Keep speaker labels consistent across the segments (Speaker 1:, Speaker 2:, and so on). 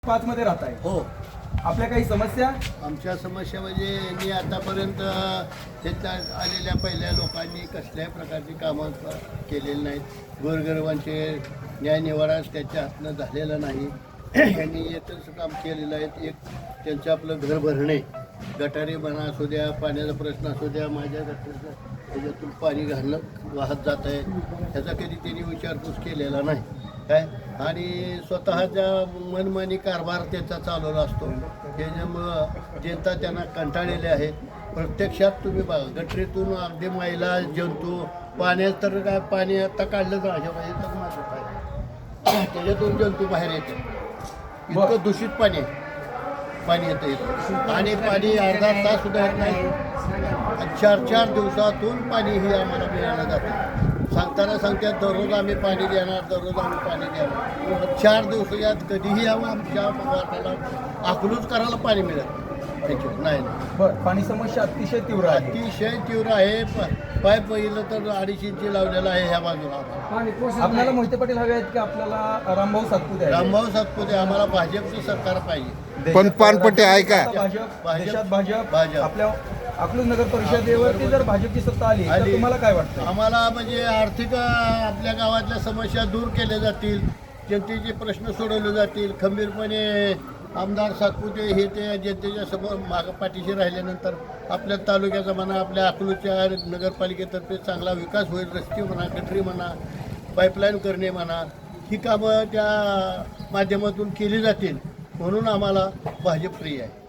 Speaker 1: 5 मध्ये राहत आहे.
Speaker 2: हो.
Speaker 1: आपल्या काही समस्या?
Speaker 2: आमच्या समस्या म्हणजे मी आतापर्यंत त्याच्यात आलेल्या पहिल्या लोकांनी कसल्याही प्रकारची कामं केलेली नाहीत. गोरगरिबांचे न्यायनिवाडा त्यांच्या हातनं झालेला नाही. यांनी एकच काम केलेलं आहे, एक त्यांचं आपलं घर भरणे, गटारी म्हणा असू द्या, पाण्याचा प्रश्न असू द्या, माझ्या गटारीचं त्याच्यातून पाणी घालणं वाहत जात आहे, ह्याचा कधी त्यांनी विचारपूस केलेला नाही काय. आणि स्वतःच्या मनमानी कारभार त्याचा चालवला असतो, त्याच्यामुळं जनता त्यांना कंटाळलेली आहे. प्रत्यक्षात तुम्ही बघा, गटरीतून अगदी महिला जंतू, पाण्यात तर काय पाणी आता काढलं तर अशा पाहिजे तर माझं काय त्याच्यातून जंतू बाहेर येते. इतकं दूषित पाणी येतं आणि पाणी अर्धा तास सुद्धा येत नाही. 4-4 दिवसातून पाणी हे आम्हाला मिळालं जातं. सांगतात दररोज आम्ही पाणी देणार, दररोज आम्ही पाणी देणार. 4 दिवसात कधीही आमच्या वाटाला अकलूज करायला पाणी मिळत नाही.
Speaker 1: बरं, पाणी समस्या अतिशय तीव्र आहे.
Speaker 2: अतिशय तीव्र आहे. पाईप पहिलं तर 250 इंची लावलेलं आहे ह्या बाजूला.
Speaker 1: आपल्याला मोहिते पाटील हवे आहेत की आपल्याला रामभाऊ सातपुते?
Speaker 2: रामभाऊ सातपुते. आम्हाला भाजपचं सरकार पाहिजे.
Speaker 3: पण पानपट्टी आहे का?
Speaker 1: देशात भाजप. आपल्या अकलूज नगर परिषदेवरती जर भाजपची सत्ता आली तर तुम्हाला काय वाटतं?
Speaker 2: आम्हाला म्हणजे आर्थिक आपल्या गावातल्या समस्या दूर केल्या जातील, जनतेचे प्रश्न सोडवले जातील. खंबीरपणे आमदार सातपुते हे ते जनतेच्या समोर मागं पाठीशी राहिल्यानंतर आपल्या तालुक्याचा म्हणा, आपल्या अकलूजच्या नगरपालिकेतर्फे चांगला विकास होईल. रस्ते म्हणा, गटरी म्हणा, पाईपलाईन करणे म्हणा, ही कामं त्या माध्यमातून केली जातील. म्हणून आम्हाला भाजप प्रिय आहे.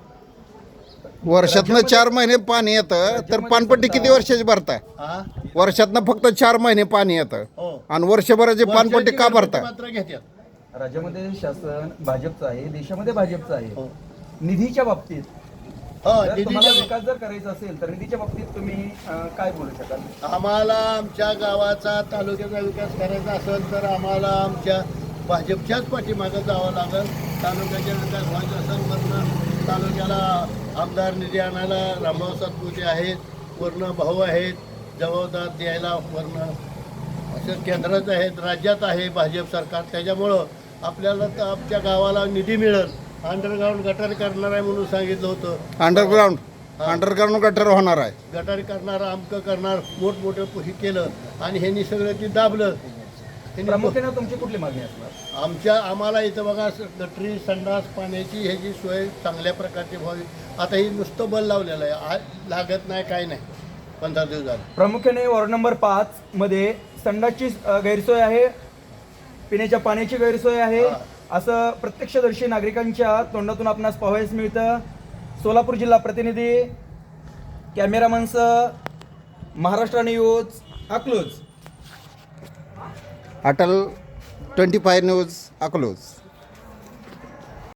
Speaker 3: वर्षातनं 4 महिने पाणी येतं तर पानपट्टी किती वर्षाची भरताय? वर्षातनं फक्त 4 महिने पाणी येतं आणि वर्षभराची पानपट्टी का भरताय?
Speaker 2: मात्र घेतात.
Speaker 1: राज्यामध्ये शासन भाजपचं आहे, देशामध्ये भाजपचं आहे. निधीच्या बाबतीत तुम्हाला विकास जर करायचा असेल तर निधीच्या बाबतीत तुम्ही काय बोलू शकाल?
Speaker 2: आम्हाला आमच्या गावाचा, तालुक्याचा विकास करायचा असेल तर आम्हाला आमच्या भाजपच्याच पाठीमागं जावं लागेल. तालुक्याचा विकास व्हायचा असेल वरनं तालुक्याला आमदार निधी आणायला रामभाऊ सातपुते आहेत, वरनं भाऊ आहेत जबाबदार द्यायला, वरनं असं केंद्रात आहेत, राज्यात आहे भाजप सरकार. त्याच्यामुळं आपल्याला तर आमच्या गावाला निधी मिळेल. अंडरग्राऊंड गटारी करणार आहे म्हणून सांगितलं होतं.
Speaker 3: अंडरग्राऊंड गटर होणार आहे.
Speaker 2: गटारी करणार, आमकं करणार, मोठमोठं हे केलं आणि ह्यांनी सगळं ते दाबलं.
Speaker 1: प्रामुख्याने तुमची कुठली मागणी असणार?
Speaker 2: आम्हाला इथं बघा, गटरी, संडास, पाण्याची ह्याची सोय चांगल्या प्रकारची व्हावी. आता ही नुसतं बल लावलेलं आहे, आज लागत नाही, काय नाही. 15 दिवस झाले.
Speaker 1: प्रामुख्याने वॉर्ड नंबर 5 मध्ये संडासची गैरसोय आहे, पिण्याच्या पाण्याची गैरसोय आहे, असं प्रत्यक्षदर्शी नागरिकांच्या तोंडातून आपणास पाहावयास मिळतं. सोलापूर जिल्हा प्रतिनिधी कॅमेरामनसह महाराष्ट्र न्यूज, अकलूज.
Speaker 3: अटल 25 न्यूज, अकलूज.